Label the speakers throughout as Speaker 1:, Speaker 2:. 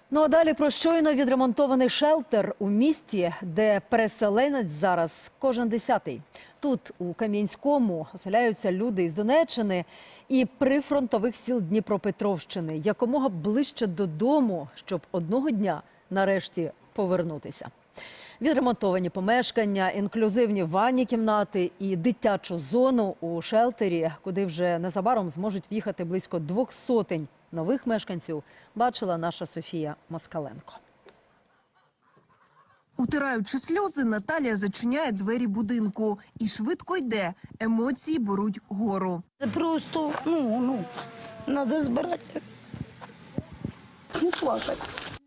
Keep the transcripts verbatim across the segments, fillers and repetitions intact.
Speaker 1: Ну а далі про щойно відремонтований шелтер у місті, де переселенець зараз кожен десятий. Тут, у Кам'янському, оселяються люди із Донеччини і прифронтових сіл Дніпропетровщини, якомога ближче додому, щоб одного дня нарешті повернутися. Відремонтовані помешкання, інклюзивні ванні кімнати і дитячу зону у шелтері, куди вже незабаром зможуть в'їхати близько двох сотень нових мешканців, бачила наша Софія Москаленко.
Speaker 2: Утираючи сльози, Наталія зачиняє двері будинку і швидко йде. Емоції беруть гору.
Speaker 3: Це просто, ну, ну, треба збирати, ну, плакати.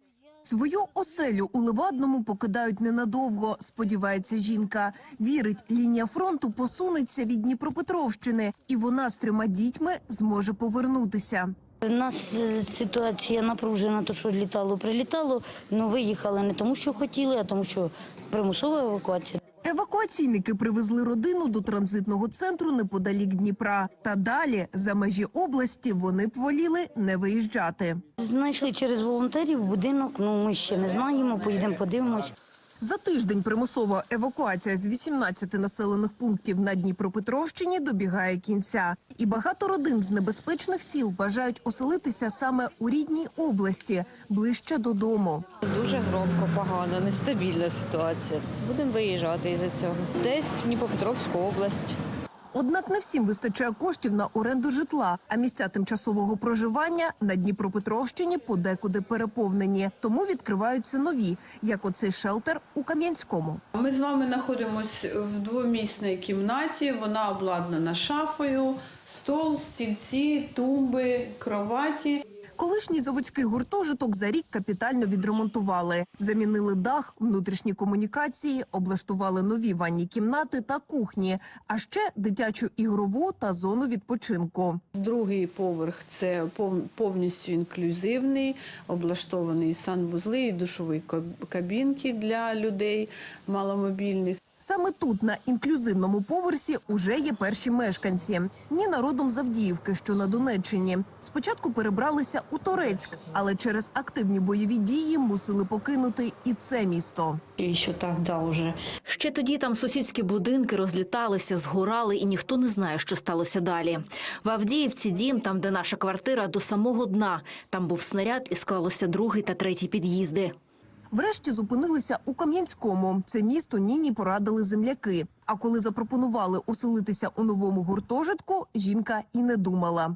Speaker 2: Свою оселю у Левадному покидають ненадовго, сподівається жінка. Вірить, лінія фронту посунеться від Дніпропетровщини, і вона з трьома дітьми зможе повернутися.
Speaker 3: У нас ситуація напружена, то що літало, прилітало, але виїхали не тому, що хотіли, а тому, що примусова евакуація.
Speaker 2: Евакуаційники привезли родину до транзитного центру неподалік Дніпра. Та далі, за межі області, вони б воліли не виїжджати.
Speaker 3: Знайшли через волонтерів будинок, ну ми ще не знаємо, поїдемо подивимось.
Speaker 2: За тиждень примусова евакуація з вісімнадцяти населених пунктів на Дніпропетровщині добігає кінця. І багато родин з небезпечних сіл бажають оселитися саме у рідній області, ближче додому.
Speaker 4: Дуже громко, погано, нестабільна ситуація. Будемо виїжджати із-за цього. Десь в Дніпропетровську область.
Speaker 2: Однак не всім вистачає коштів на оренду житла, а місця тимчасового проживання на Дніпропетровщині подекуди переповнені. Тому відкриваються нові, як оцей шелтер у Кам'янському.
Speaker 5: Ми з вами знаходимося в двомісній кімнаті, вона обладнана шафою, стол, стільці, тумби, кроваті.
Speaker 2: Колишній заводський гуртожиток за рік капітально відремонтували. Замінили дах, внутрішні комунікації, облаштували нові ванні кімнати та кухні, а ще дитячу ігрову та зону відпочинку.
Speaker 5: Другий поверх – це повністю інклюзивний, облаштований санвузли і душові кабінки для людей маломобільних.
Speaker 2: Саме тут, на інклюзивному поверсі, уже є перші мешканці. Ніна родом з Авдіївки, що на Донеччині. Спочатку перебралися у Торецьк, але через активні бойові дії мусили покинути і це місто.
Speaker 6: І що тоді вже.
Speaker 7: Ще тоді там сусідські будинки розліталися, згорали, і ніхто не знає, що сталося далі. В Авдіївці дім, там, де наша квартира, до самого дна. Там був снаряд і склалося другий та третій під'їзди.
Speaker 2: Врешті зупинилися у Кам'янському. Це місто Ніні порадили земляки. А коли запропонували оселитися у новому гуртожитку, жінка і не думала.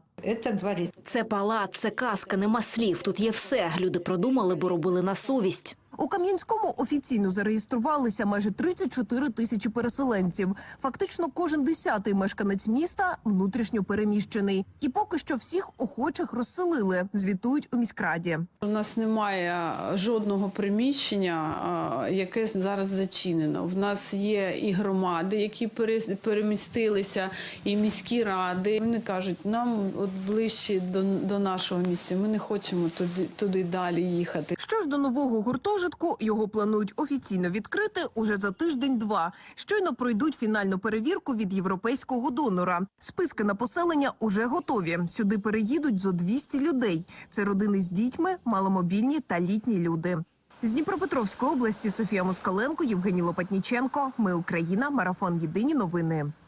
Speaker 7: Це палац, це казка, нема слів. Тут є все. Люди продумали, бо робили на совість.
Speaker 2: У Кам'янському офіційно зареєструвалися майже тридцять чотири тисячі переселенців. Фактично кожен десятий мешканець міста внутрішньо переміщений. І поки що всіх охочих розселили, звітують у міськраді.
Speaker 5: У нас немає жодного приміщення, яке зараз зачинено. В нас є і громади, які перемістилися, і міські ради. Вони кажуть, нам от ближче до, до нашого місця, ми не хочемо туди, туди далі їхати.
Speaker 2: Що ж до нового гуртожитку, його планують офіційно відкрити уже за тиждень-два. Щойно пройдуть фінальну перевірку від європейського донора. Списки на поселення уже готові. Сюди переїдуть зо двісті людей. Це родини з дітьми, маломобільні та літні люди. З Дніпропетровської області Софія Москаленко, Євгеній Лопатніченко. Ми Україна. Марафон. Єдині новини.